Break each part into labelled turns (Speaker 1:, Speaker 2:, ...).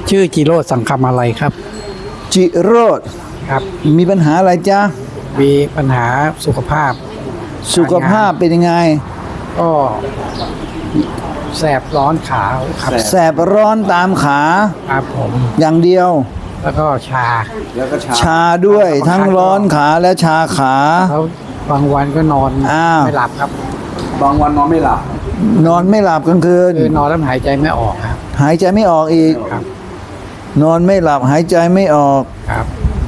Speaker 1: ชื่อจิโรจน์สังคำอะไรครับ
Speaker 2: จิโรจน์
Speaker 1: ครับ
Speaker 2: มีปัญหาอะไรจ๊ะ
Speaker 1: มีปัญหาสุขภาพ
Speaker 2: สุขภาพเป็นยังไง
Speaker 1: ก็แสบร้อนขาครับ
Speaker 2: แสบร้อนตามขา
Speaker 1: ครับผม
Speaker 2: อย่างเดียว
Speaker 1: แล้วก็ชา
Speaker 2: ชาด้วยทั้งร้อนขาและชาขา
Speaker 1: แล้วบางวันก็นอน
Speaker 2: อ้าว
Speaker 1: ไม่หลับครับ
Speaker 3: บางวันนอนไม่หลับ
Speaker 2: นอนไม่หลับกลางคืน
Speaker 1: คือนอนแล้วหายใจไม่ออกครับ
Speaker 2: หายใจไม่ออกอีก
Speaker 1: ครับ
Speaker 2: นอนไม่หลับหายใจไม่ออก
Speaker 1: ครับ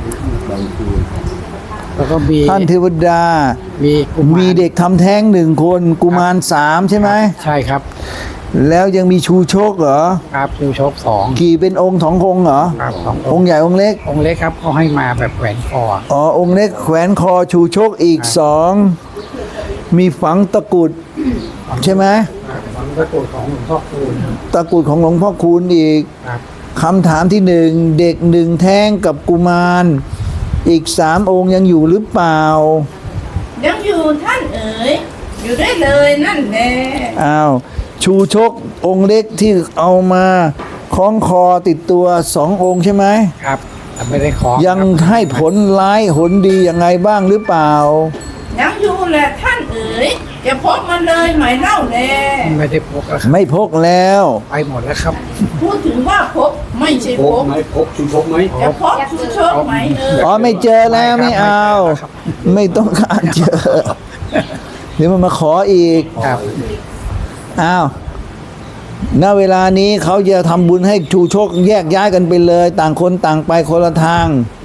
Speaker 1: แล้วก็มี
Speaker 2: ท่านเทวดา
Speaker 1: มีกุมาร
Speaker 2: มีเด็กทำแท้งหนึ่งคนกุมาร3ใช่ไหม
Speaker 1: ใช่ครับ
Speaker 2: แล้วยังมีชูชกเหรอ
Speaker 1: ครับดูชกสอง
Speaker 2: กี่เป็นองค์2 องค์เหรอ
Speaker 1: ครับสอง
Speaker 2: องค์ใหญ่องค์เล็ก
Speaker 1: องค์เล็กครับเขาให้มาแบบแหวนคอ
Speaker 2: อ๋อองค์เล็กแขวนคอชูชกอีก2มีฝังตะกรุดใช่ไหม
Speaker 1: พระโกรธของหลวงพ่อคูณ
Speaker 2: ตะกรุดของหลวงพ่อคูณอีก
Speaker 1: ครับ
Speaker 2: คำถามที่1เด็ก1แท้งกับกุมารอีก3 องค์ยังอยู่หรือเปล่า
Speaker 4: ยังอยู่ท่านเอ๋ยอยู่ได้เลยนั่นแหละ
Speaker 2: อ้าวชูชกองค์เล็กที่เอามาคล้องคอติดตัว2 องค์ใช่ไหม
Speaker 1: ครับแต่ไม่ได้ขอ
Speaker 2: ยัง
Speaker 1: ครับ
Speaker 2: ให้ผลร้ายผลดียังไงบ้างหรือเปล่า
Speaker 4: ยังอยู่แหละท่านเอ๋ยจะพบมันเลยไหมเล่าแล
Speaker 1: ไม่ได้พกแล้วครับ
Speaker 2: ไม่พกแล้ว
Speaker 1: ไปหมดแล้วครับ
Speaker 4: พูดถึงว่าพบไม่ใช่
Speaker 3: พ
Speaker 4: พ
Speaker 3: ก
Speaker 4: บ
Speaker 3: ไหมพกชูชกไหม
Speaker 4: จะพบชูโชคไหมเอ๋ย
Speaker 2: อ๋อไม่เจอแล้วไม่เอา ไม่ต้องการเจอเดี๋ยวมันมาขออีก
Speaker 1: ครับ
Speaker 2: อ้าวณเวลานี้เขาจะทำบุญให้ชูชกแยกย้ายกันไปเลย ต่างคนต่างไปคนละทาง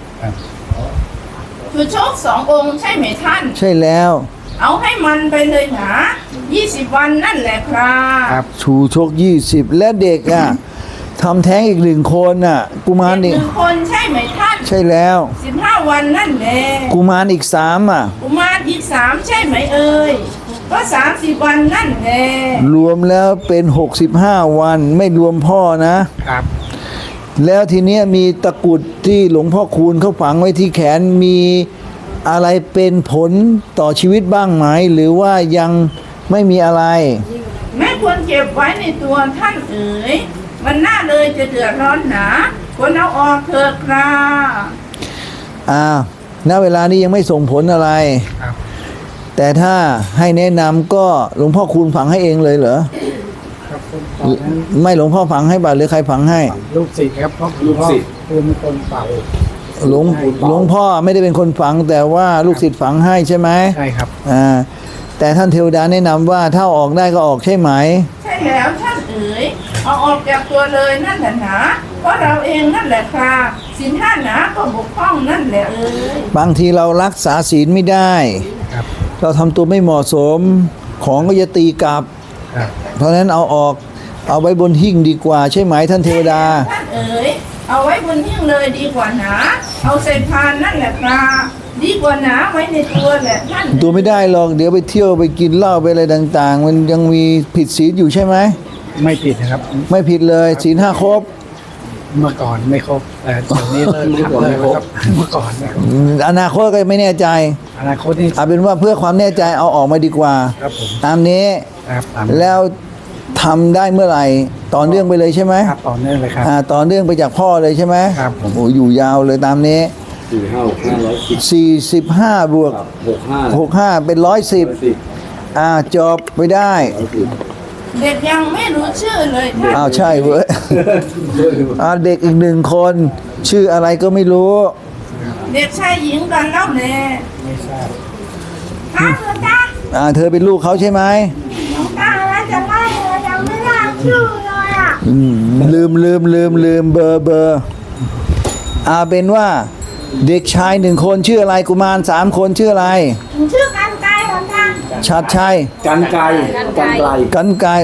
Speaker 4: ชูโชค2 องค์ใช่ไหมท่าน
Speaker 2: ใช่แล้ว
Speaker 4: เอาให้มันไปเลยหนา20 วันนั่นแหละครับ
Speaker 1: ครับ
Speaker 2: ชูชก20และเด็กอ่ะทำแท้งอีก1 คนอ่ะกุมาร
Speaker 4: เด็
Speaker 2: อี
Speaker 4: ก
Speaker 2: ก
Speaker 4: 1 คนใช่ไหมท่าน
Speaker 2: ใช่แล้ว
Speaker 4: 15 วันนั่นแหละ
Speaker 2: กุมารอีก3อ่ะ
Speaker 4: กุมารอีก3ใช่ไหมเอ่ยก็30 วันนั่นแหละ
Speaker 2: รวมแล้วเป็น65 วันไม่รวมพ่อนะ
Speaker 1: ครับ
Speaker 2: แล้วทีเนี้ยมีตะกรุดที่หลวงพ่อคูณเขาฝังไว้ที่แขนมีอะไรเป็นผลต่อชีวิตบ้างไหม หรือว่ายังไม่มีอะไร
Speaker 4: ไม่ควรเก็บไว้ในตัวท่านเอ๋ยมันน่าเลยจะเดือดร้อนหนาควรเอาออกเถิดครับ
Speaker 2: อ้าวณเวลานี้ยังไม่ส่งผลอะไร
Speaker 1: ครับ
Speaker 2: แต่ถ้าให้แนะนำก็หลวงพ่อคูณฝังให้เองเลยเหรอ
Speaker 1: ครับตอนนั้น
Speaker 2: ไม่หลวงพ่อฝังให้บ่าหรือใครฝังให้
Speaker 1: ลูกศิษย์ครับเพราะหลวงพ่อคูณเป็นคนเป่า
Speaker 2: หลวงพ่อไม่ได้เป็นคนฝังแต่ว่าลูกศิษย์ฝังให้ใช่ไหม
Speaker 1: ใช่ครับ
Speaker 2: แต่ท่านเทวดาแนะนำว่าถ้าออกได้ก็ออกใช่ไหม
Speaker 4: ใช่แล้วท่านเอ๋ยเอาออกจากตัวเลยนั่นแหละหนาเพราะเราเองนั่นแหละครับศีล5หนาก็บกพร่องนั่นแหละเอ๋ย
Speaker 2: บางทีเรารักษาศีลไม่ได้
Speaker 1: ครับ
Speaker 2: เราทำตัวไม่เหมาะสมของก็จะตีกลับ
Speaker 1: ครับ
Speaker 2: เพราะฉะนั้นเอาออกเอาไว้บนหิ้งดีกว่าใช่ไหมท่านเทวดา
Speaker 4: ท่านเอ๋ยเอาไว้บนหิ้งเลยดีกว่าหนาเอาใส่พานนั่นแหละครับดีกว่าหนาไว้ในตัวแหละท่าน
Speaker 2: ตัวไม่ได้หรอกเดี๋ยวไปเที่ยวไปกินเหล้าไปอะไรต่างๆ มันยังมีผิดศีลอยู่ใช่ไหม
Speaker 1: ไม่ผิดนะครับ
Speaker 2: ไม่ผิดเลยศีล5ครบ
Speaker 1: เมื่อก่อนไม่ครบแต่เดี๋ยวนี้เลิกทำเลยครับเมื่อก่อนนะครับ
Speaker 2: อนาคตก็ไม่แน่ใจ
Speaker 1: อนาคตนี่
Speaker 2: เอาเป็นว่าเพื่อความแน่ใจเอาออกมาดีกว่า
Speaker 1: ครับผม
Speaker 2: ตามนี้
Speaker 1: ครับตาม
Speaker 2: แล้วทำได้เมื่อไหร่ต่อเนื่องไปเลยใช่ไหม
Speaker 1: ครับต่อเนื่องเลยครับ
Speaker 2: ต่อเนื่องไปจากพ่อเลยใช่ไหม
Speaker 1: ครับผม
Speaker 2: โอ้อยู่ยาวเลยตามนี้
Speaker 3: 4 5 6 5 110
Speaker 2: 45บวก
Speaker 3: 65
Speaker 2: 65เป็น110จบไปได้
Speaker 4: เด็กยังไม่รู้ชื่อเลยท่าน
Speaker 2: อ้าวใช่เว้ย เด็กอีก1 คนชื่ออะไรก็ไม่รู้
Speaker 4: เด็กชายหญิงกันแล้วแหละ
Speaker 1: ไม่ทราบ
Speaker 4: อ้าวหลวงตา
Speaker 2: เธอเป็นลูกเขาใช่ไหม
Speaker 4: หลวงตาแล้วจะไล่เลยยังไม่ได้ชื่อเลยอ่ะ
Speaker 2: ลืมเบอร์เป็นว่าเด็กชาย1 คนชื่ออะไรกุมาร3 คนชื่ออะไร
Speaker 4: ชื่อกันไกลหลวงตา
Speaker 2: ชัดชัย
Speaker 3: กันไกลกันไกล
Speaker 2: กันไกร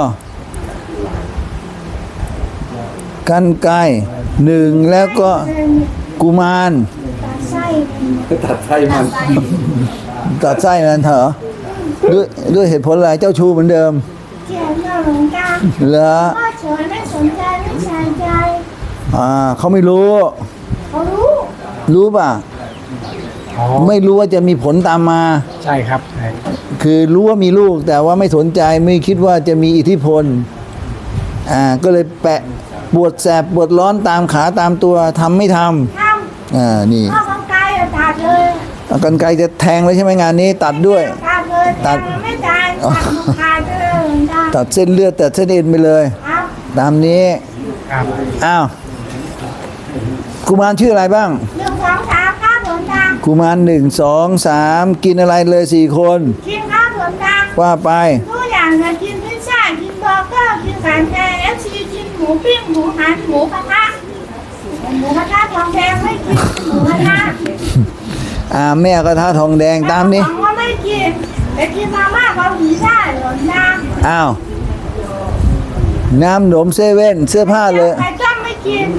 Speaker 2: กันไกร1แล้วก็กุมาร
Speaker 3: ตัดไส้มัน
Speaker 2: ตัดไส้มันเถอะด้วยเหตุผลอะไรเจ้าชู้เหมือนเดิม
Speaker 4: เขียนมาหลวงตา
Speaker 2: เหรอ
Speaker 4: พ่อเฉยไม่สนใจไม่ใส่ใจ
Speaker 2: เขาไม่รู้
Speaker 4: เขารู้
Speaker 2: รู้ป่ะ
Speaker 1: อ๋อ
Speaker 2: ไม่รู้ว่าจะมีผลตามมา
Speaker 1: ใช่ครับใช่
Speaker 2: คือรู้ว่ามีลูกแต่ว่าไม่สนใจไม่คิดว่าจะมีอิทธิพลก็เลยแปะปวดแสบปวดร้อนตามขาตามตัวทำไม่ท
Speaker 4: ท
Speaker 2: ำนี่
Speaker 4: ำข้าวกายตัดเลย
Speaker 2: เอากรรไกรจะแทงเลยใช่ไหมงานนี้ตัดด้วย
Speaker 4: ตัดเลยตัดไม่ตายตัดมันขาดเลยหลวงตา
Speaker 2: ตัดเส้นเลือดตัดเส้นเอ็นไปเลย
Speaker 4: ครับ
Speaker 2: ตามนี้
Speaker 1: ครับ
Speaker 2: อ้าวกุมารชื่ออะไรบ้าง
Speaker 4: 1 2 3ครับหลวงตา
Speaker 2: กุมาร1 2 3 กินอะไรเลย4 คน
Speaker 4: กินข้าวหลวงตา
Speaker 2: ว่าไป
Speaker 4: ทุกอย่างนะกินพิซซ่ากินเบอร์เกอร์กินไก่แดงFCกินหมูปิ้งหมูหันหมูกระทะทองแดงไม่กินหมูกระทะ
Speaker 2: แม่กระทะทองแดงตามนี้
Speaker 4: ของก็ไม่กินแต่กินมาม่าเกาหลีได้หลวงตา
Speaker 2: อ้าวน้ำหนมเซเว่นเสื้อผ้าเลย
Speaker 4: ไข่ต้มไม่กิน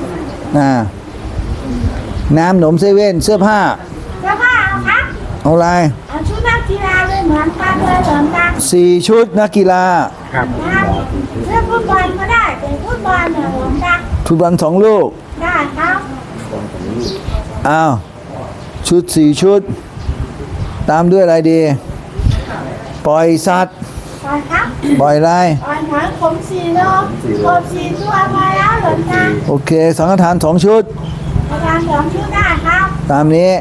Speaker 2: น้ำหนมเซเว่นเสื้อผ้า
Speaker 4: แล้วก็เอาครับ
Speaker 2: เอาอะไร
Speaker 4: เอาชุดนักกีฬาเลยเหมือนกันเลยหลวงตา
Speaker 2: 4 ชุดนักกีฬา
Speaker 1: ครับ
Speaker 4: ครับเล่นฟุตบอลก็ได้แต่ฟุตบอลเนี่ยหลวงตา
Speaker 2: ฟุตบอล2 ลูก
Speaker 4: ได้ครับ
Speaker 2: อ้าวชุด4 ชุด ตามด้วยอะไรดี ปล่อยสัตว์
Speaker 4: ปล่อยครับ
Speaker 2: ปล่อยอะไร
Speaker 4: ปล่อยหอยขม4 โลกบ4 ตัวพอแล้วหลวงตา
Speaker 2: โอเคสังฆทาน 2 ชุด
Speaker 4: ประมาณ2 ชุดได้ครับ
Speaker 2: ตามนี้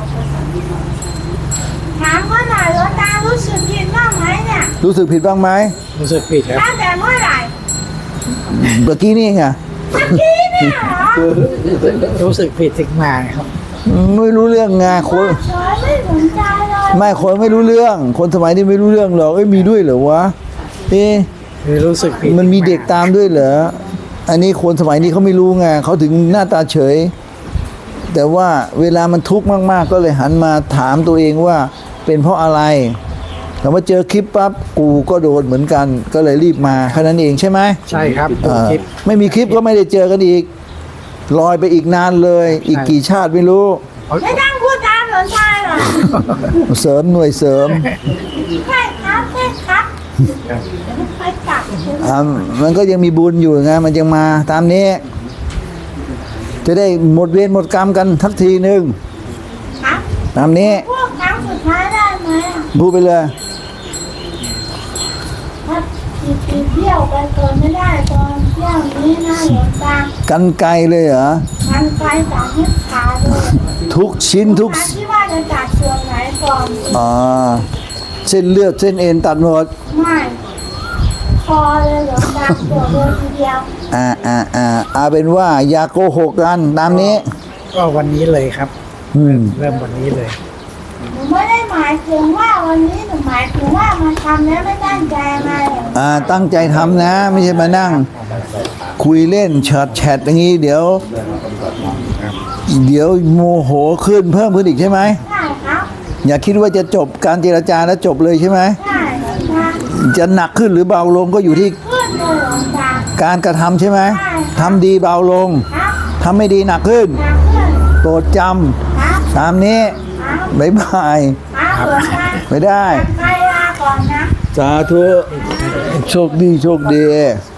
Speaker 4: ถามว่าหน่อยหลวงตารู้สึกผิดบ้างไหมเนี่ย
Speaker 2: รู้สึกผิดบ้างไหม
Speaker 1: รู้สึกผิดครับ
Speaker 4: ตั้งแต่เมื่อไหร่
Speaker 2: เมื่อกี้นี่ไง
Speaker 4: เมื่อกี้เนี่ยเหรอ
Speaker 1: รู้สึกผิดถึงมาครับ
Speaker 2: ไม่รู้เรื่องไงคน
Speaker 4: เฉยไม่สนใจเลย
Speaker 2: ไม่คนไม่รู้เรื่อง คนสมัยนี้ไม่รู้เรื่องหรอกมีด้วยเหรอวะเอ๊ะ
Speaker 1: คือรู้สึกผิด
Speaker 2: มันมีเด็กตามด้วยเหรออันนี้คนสมัยนี้เขาไม่รู้ไงเขาถึงหน้าตาเฉย แต่ว่าเวลามันทุกข์มากๆ ก็เลยหันมาถามตัวเองว่าเป็นเพราะอะไรแต่ว่าเจอคลิปปั๊บกูก็โดนเหมือนกัน ก็เลยรีบมาแค่นั้นเองใช่ไหม
Speaker 1: ใช่ครับ
Speaker 2: เอ
Speaker 1: ดู
Speaker 2: อ
Speaker 1: คลิป
Speaker 2: ไม่มีคลิปก็ไม่ได้เจอกันอีกลอยไปอีกนานเลย อีกกี่ชาติไม่รู้
Speaker 4: ไม่ต้องพูดตามหลวงตาหรอก
Speaker 2: เสริมหน่วยเสริม
Speaker 4: ใช่ครับใช่ครับไปกลับ
Speaker 2: มันก็ยังมีบุญอยู่ไงมันยังมาตามนี้ จะได้หมดเวรหมดกรรมกันทักทีหนึ่ง
Speaker 4: ครับ
Speaker 2: ตามนี้
Speaker 4: พวกครั้งสุดท้ายได้ไหมอ่ะ
Speaker 2: พูดไปเลย
Speaker 4: ถ้าตีเที่ยวไปก่อนไม่ได้ตอนเที่ยวนี้นะหลวงตา
Speaker 2: กันไกลเลยเหรอ
Speaker 4: มันไปจากนิพพานเลย
Speaker 2: ทุกชิ้นทุก
Speaker 4: ถามที่ว่าจะจัดส่วนไหนก่อน
Speaker 2: เส้นเลือดเส้นเอ็นตัดหมด
Speaker 4: ไม่คอเลยหลวงตาตัวเดียวทีเดียว
Speaker 2: เอาเป็นว่าอย่าโกหกกันตามนี้
Speaker 1: ก็วันนี้เลยครับ
Speaker 2: อืม
Speaker 1: เริ่มวันนี้เลย
Speaker 4: หนูไม่ได้หมายถึงว่าวันนี้หนูหมายถึงว่ามาทำแล้วไม่ตั้งใจไง
Speaker 2: ตั้งใจทำนะ ไม่ใช่มานั่ง คุยเล่นแชทอย่างนี้เดี๋ยวโมโหขึ้นเพิ่มขึ้นอีกใช่ไหม
Speaker 4: ใช่ครับ
Speaker 2: อย่าคิดว่าจะจบการเจรจาแล้วจบเลยใช่ไหม
Speaker 4: ใช่หลวงตา
Speaker 2: จะหนักขึ้นหรือเบาลงก็อยู่ที่
Speaker 4: ขึ้นเลยหลวงตา
Speaker 2: การกระทำใช่ไหม
Speaker 4: ใช่
Speaker 2: ทำดีเบาลง
Speaker 4: ครับ
Speaker 2: ทำไม่ดีหนักขึ้น
Speaker 4: หนักขึ้น
Speaker 2: โปรดจ
Speaker 4: ครับ
Speaker 2: ำตามนี้
Speaker 4: ครับ
Speaker 2: บ๊ายบาย
Speaker 4: ครับหลวงตา
Speaker 2: ไม่ได้
Speaker 4: ใครลาก่อนนะ
Speaker 2: สาธุโชคดี